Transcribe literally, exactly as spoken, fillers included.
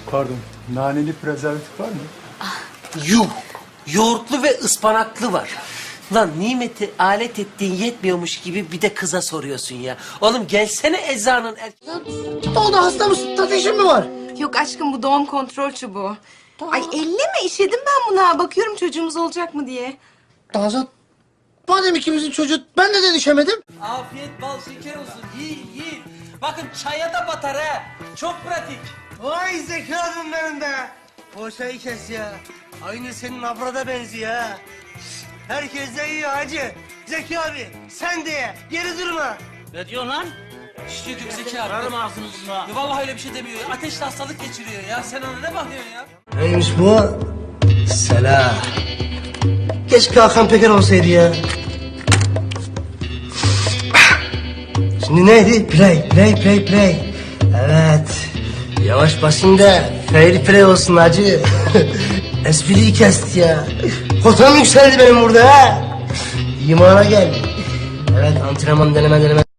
Pardon, naneli prezervatif var mı? Yuh! Yoğurtlu ve ıspanaklı var. Lan nimeti alet ettiğin yetmiyormuş gibi bir de kıza soruyorsun ya. Oğlum gelsene eczanın er... O da hasta mısın? Ateşin mi var? Yok aşkım bu doğum kontrol çubuğu. Ay elleme işedim ben buna. Bakıyorum çocuğumuz olacak mı diye. Nazan, madem ikimizin çocuğu ben neden işemedim? Afiyet bal şeker olsun. Yiyin yiyin. Bakın çaya da batar ha. Çok pratik. Vay zekadın benim be. O çayı kes ya. Aynı senin abrada benziyor ha. Herkes de yiyor hacı. Zeki abi sen de ye. Geri durma. Ne diyorsun lan? Şişe yok Zeki abi. Yarım ağzını buna. Ya vallahi öyle bir şey demiyor. Ya. Ateşli hastalık geçiriyor ya. Sen ona ne bakıyorsun ya? Neymiş bu? Selam. Keşke Hakan Peker olsaydı ya. Şimdi neydi? Play, play, play, play. Evet. Yavaş basayım da fair play olsun hacı. Espriyi kesti ya. Kotam yükseldi benim burada ha. İmana gel. Evet antrenman deneme deneme.